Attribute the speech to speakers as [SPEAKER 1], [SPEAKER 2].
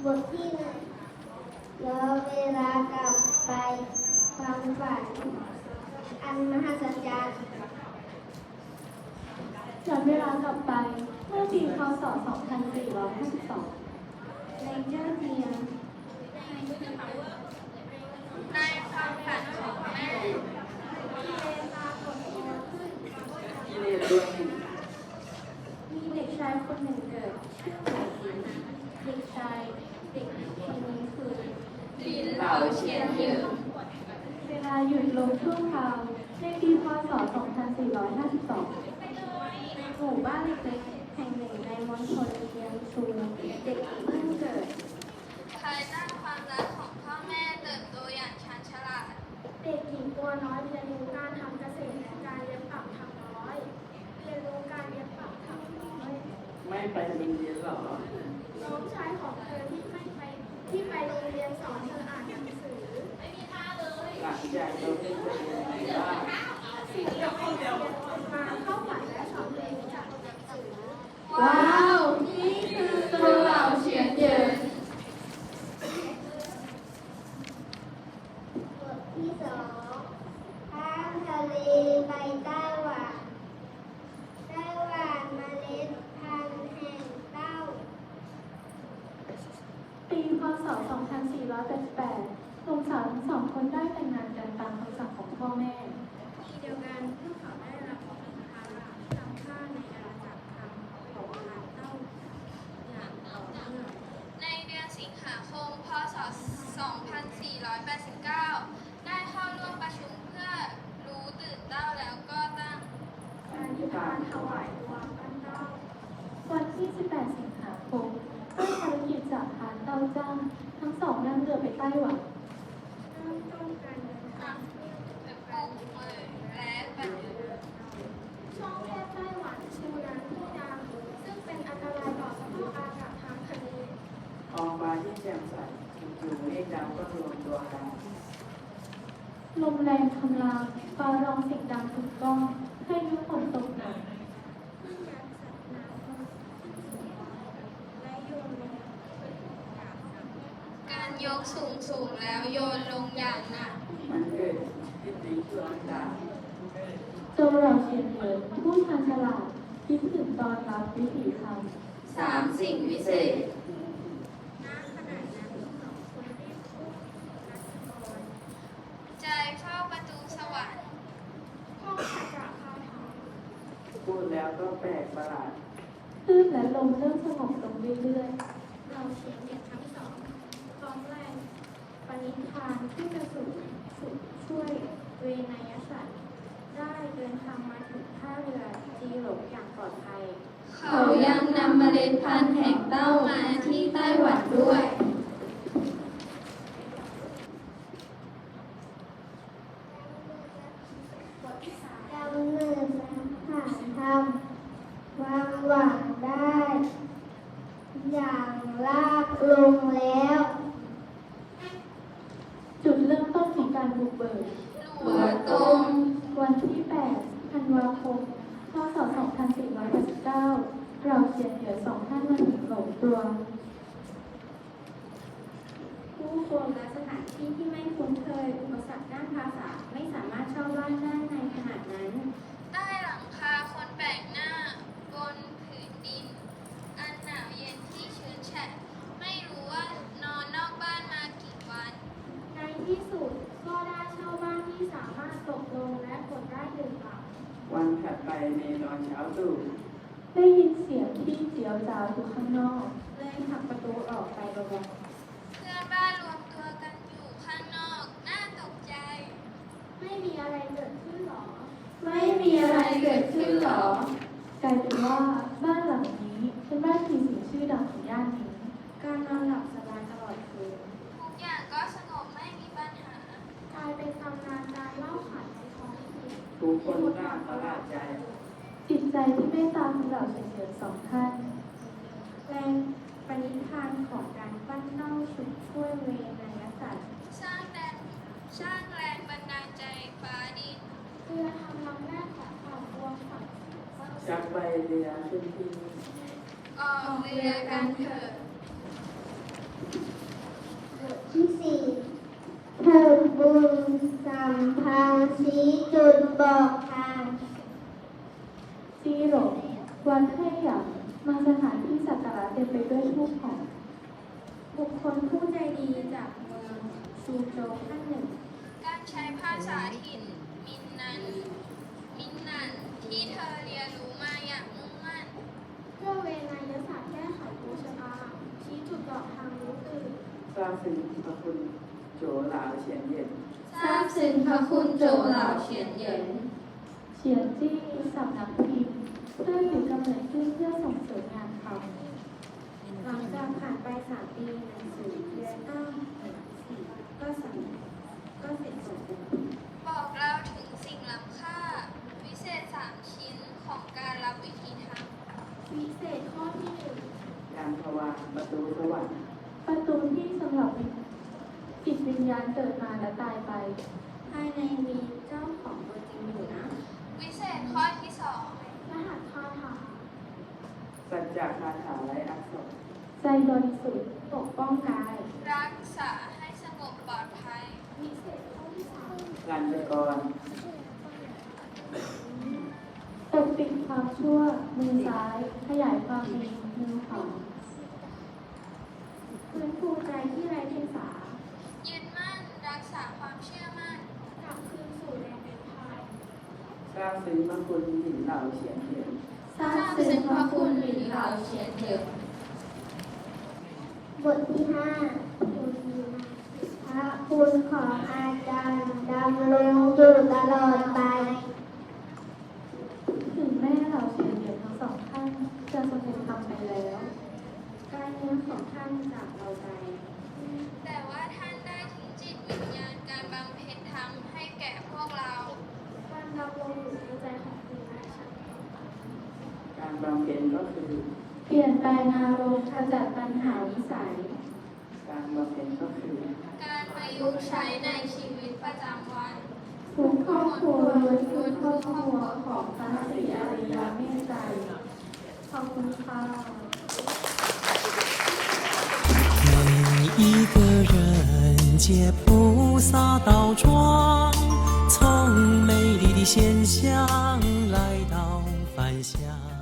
[SPEAKER 1] ทที่หนึ่งย้อนเวลากลับไปความฝันอันมหัศจรรย์
[SPEAKER 2] ย้อนเวลากลับไปเมื่อปีพ.ศ. 2452
[SPEAKER 1] ในเจ้าเดียว
[SPEAKER 3] ในความฝันของแม่
[SPEAKER 2] มีเด็กชายคนหนึ่งเกิดชื่อหลายหลินเด็กชายเด็กคนนี้คือ
[SPEAKER 3] หลินเหลาเฉียนหยือ
[SPEAKER 2] เวลาหยุดลงชั่วคราวในปีพ.ศ. 2452ในหมู่บ้านเล็กๆแห่งหนึ่งในมณฑลเจียงซูเด็กหญิงเพิ่งเกิด
[SPEAKER 3] ภายใต้ความรักของพ่อแม่เติบโตอย่างชาญฉลาด
[SPEAKER 1] เด็กหญิงตัวน้อยเรียนรู้การทำเกษตรและการเย็บปักถักร้อยเรียนรู้การเย็บปักถักร้อย
[SPEAKER 4] ไม่ไปโรงเรียนหรอ
[SPEAKER 1] น้องชายของเธอที่ไปโรงเรียนสอนเธออ่านหนังสือ
[SPEAKER 4] หลังจากเราเล่นไปเรียนที่บ้าน
[SPEAKER 1] สิ่งที่เราเรียนมาเข้าฝันและสอนเธอรู้จักหนังสือ
[SPEAKER 3] ว้าวนี่คือตัวเหลาเฉียนหยือบ
[SPEAKER 1] ทที่สองข้ามทะเลไปไต้หวันเมล็ดพันธุ์แห่งเต้า
[SPEAKER 2] ปีพ.ศ. 2488หนุ่มสาวทั้งสองคนได้แต่งงานกันตามคำสั่งของพ่อแม่
[SPEAKER 1] ปีเดียวกันพวกเขาได้รับภาระจำค่าในอาณาจักรทำของพันธุ์เต้าอย่างต่อเนื่อง
[SPEAKER 3] ในเดือนสิงหาคม พ.ศ. 2489 ได้เข้าร่วมประชุมเพื่อรู้ตื่นเต้าแล้วก็ตั้ง
[SPEAKER 1] การที่ทานถวายตัวพันเต้า
[SPEAKER 2] วันที่ 18 สิงหาคมด้วยภารกิจจากฐานเต้าจ้างทั้งสองนั่งเรือไปไต้หวัน
[SPEAKER 1] เริ่มต้นการเดินทาง
[SPEAKER 3] ปลูกเมยและปฏิบัติ
[SPEAKER 1] ช่องแคบไต้หวันชูน้ำที่ดำซึ่งเป็นอันตรายต่อสภาพอากาศทางทะเล
[SPEAKER 4] ท้องฟ้าที่แจ่มใสจู่ๆเมฆดำก็รวมตัวกัน
[SPEAKER 2] ลมแรงคำรามฟ้าร้องเสียงดังกึกก้องให้ยุฝนตกหนัก
[SPEAKER 1] ที่ยักษ์สัตว์น้ำและโยนลงอย่างหนัก
[SPEAKER 3] การยกสูงแล้วโยนลงอย่างหนัก
[SPEAKER 4] มันเกิดขึ้นในช่วงต่าง
[SPEAKER 2] โจเหล่าเฉียนเหยินผู้ชาญฉลาดคิดถึงตอนรับวิถีธรรม
[SPEAKER 3] 3 สิ่งวิเศษ
[SPEAKER 1] ณขณะนั้นสองคนรีบพูดนักกร
[SPEAKER 3] ใจเฝ้าประตูสวรรค์
[SPEAKER 1] ห้องขจักคาถา
[SPEAKER 4] พูดแล้วก็แปลกประหลาด
[SPEAKER 2] คลื่นและลมเริ่มสงบลงเรื่อย
[SPEAKER 1] เราเฉียนเด็กทั้งสองพร้อมแรงปณิธานที่จะช่วยเวนยสัตว์ได้เดินทางมาถึงท่าเรือจีหลงอย่างปลอดภัย
[SPEAKER 3] เขายังนำเมล็ดพันธุ์แห่งเต้ามาที่ไต้หวันด้วย
[SPEAKER 1] ดำเนินผ่านทำวางหวังได้ อย่างลากลงแล้ว
[SPEAKER 2] ๆ จุดเริ่มต้นของการบุกเบิก
[SPEAKER 3] หัวตรง
[SPEAKER 2] วันที่ 8 ธันวาคม พ.ศ. 2489เราเฉียนเหยินสองท่านมาถึงหลงตัว
[SPEAKER 1] ผู้คนและสถานที่ที่ไม่คุ้นเคยอุปสรรคด้านภาษาไม่สามารถเช่าบ้านได้ในขณะนั้น
[SPEAKER 3] ใต้หลังคาคนแปลกหน้า บนผืนดิน อันหนาวเย็นที่ชื้นแฉะ ไม่รู้ว่านอนนอกบ้านมากี่วัน
[SPEAKER 1] ในที่สุดก็ได้เช่าบ้านที่สามารถตกลงและกดได้หนึ่งหลัง
[SPEAKER 4] วันถัดไปในตอนเช้าตรู่
[SPEAKER 2] ได้ยินเสียงที่เจียวจ้าวอยู่ข้างนอก
[SPEAKER 1] เลยผลักประตูออกไปเบา
[SPEAKER 3] เพื่อนบ้านรวมตัวกันอยู่ข้างนอก น่าตกใจ
[SPEAKER 1] ๆไม่มีอะไรเกิดขึ้นหรอ
[SPEAKER 2] ไม่มีอะไรเกิดขึ้นหรอ กลายเป็นว่าบ้านหลังนี้เป็นบ้านผีสิงชื่อดังของย่านนี้
[SPEAKER 1] การนอนหลับสบายตลอดคืน
[SPEAKER 3] ทุกอย่างก็สงบไม่มีปัญหา
[SPEAKER 1] กลายเป็นตำนานการเล่าขานในท้องถิ่น
[SPEAKER 4] ทุกคนน่าประหลาดใจ
[SPEAKER 2] จิตใจที่เมตตาของเราเฉียนเหยินสองท่าน
[SPEAKER 1] แรงปณิธานของการปั้นเต้าชุดช่วยเวนยสัตว์
[SPEAKER 3] สร้างแรงบันดาลใจฟ้าดิน
[SPEAKER 1] เพื่อทำลำแรกของความรวมฝัน
[SPEAKER 4] ชักใบเรือขึ้นที่นี่
[SPEAKER 3] ออกเรือกันเถอะ
[SPEAKER 1] ท
[SPEAKER 5] บทที่สี่เทิดบุญสัมพันธ์ชี้จุดบอกทาง
[SPEAKER 2] จีหลงวัดให้หยางมาสถานที่สักการะเต็มไปด้วยธูปหอม
[SPEAKER 1] บุคคลผู้ใจดีจากเมืองซูโจวท่านหนึ่ง
[SPEAKER 3] การใช้ภาษาถิ่นมินนันที่เธอเรียนรู้มาอย่างมุ่งมั่น
[SPEAKER 1] เพื่อเวนยศาสตร์แก้ไขดวงชะตาชี้จุดบอกทางรู้ตื่น
[SPEAKER 4] ทราบซึ้งพระคุณโจหลาเฉียนเย็น
[SPEAKER 3] ทราบซึ้งพระคุณโจเหล่าเฉียนเหยิน
[SPEAKER 2] เฉียนจี้สำนักพิมพ์เพื่อถือกำเนิดขึ้นเพื่อส่งเสริมงานเขา
[SPEAKER 1] หลังจากผ่านไป3 ปีหนังสือเรียนอ้างก็เสร็จสมบูรณ์
[SPEAKER 3] บอกเราถึงสิ่งล้ำค่า วิเศษ3 ชิ้นของการรับวิธีทำ
[SPEAKER 1] วิเศษข้อที่
[SPEAKER 4] การภาวะประตูสวรรค์
[SPEAKER 2] ประตูที่สำหรับจิตวิญญาณเกิดมาและตายไป
[SPEAKER 1] 1ภายในมีเจ้าของตัวจริงอยู่นะ
[SPEAKER 3] วิเศษข้อที่
[SPEAKER 1] รหัสคาถา
[SPEAKER 4] สัจจะคาถาไร้อักษร
[SPEAKER 2] ใจบริสุทธิ์
[SPEAKER 1] ปกป้องกาย
[SPEAKER 3] 2 รักษาให้สงบปลอดภัย
[SPEAKER 1] วิเศษข้อที่
[SPEAKER 4] ลันจกร
[SPEAKER 2] ปกปิดความชั่ว มือซ้าย ขยายความดีมือขวา
[SPEAKER 1] 3ฟื้นฟูใจที่ไร้เดียงสา
[SPEAKER 3] ยึดมั่นรักษาความเชื่อมั่น
[SPEAKER 1] กลับคืนสู่แดนเป็นไทย
[SPEAKER 4] ทราบซึ้งพระคุณหญิงเหล่าเฉียนเย็น
[SPEAKER 2] ทราบซึ้งพระคุณหลินเหล่าเฉียนเหยิน
[SPEAKER 5] บทที่ห้าพระคุณของอาจารย์ดำรงอยู่ตลอดไป
[SPEAKER 2] ถึงแม่เหล่าเฉียนเหยินทั้งสองท่านจะสงบธรรมไปแล้ว
[SPEAKER 1] การเงินของท่านจากเราไป
[SPEAKER 3] แต่ว่าท่านได้ทิ้งจิตวิญญาณการบำเพ็ญธรรมให้แก่พวกเรา
[SPEAKER 1] การดำรงอยู่ในใจของคุณและฉัน
[SPEAKER 4] การบำเพ็ญก็คือ
[SPEAKER 2] เปลี่ยนแปลงอารมณ์ขจัดปัญหาวิสัย
[SPEAKER 4] การบำเพ็ญก็คือ
[SPEAKER 3] การประยุกต์ใช้ในชีวิตประจำวัน
[SPEAKER 2] ทุกครอบครัวล้วนคือครอบครัวของพระศรีอริยเมตไตรขอบคุณค่ะ
[SPEAKER 6] 每一个人皆菩萨道庄，从美丽的仙乡来到凡乡。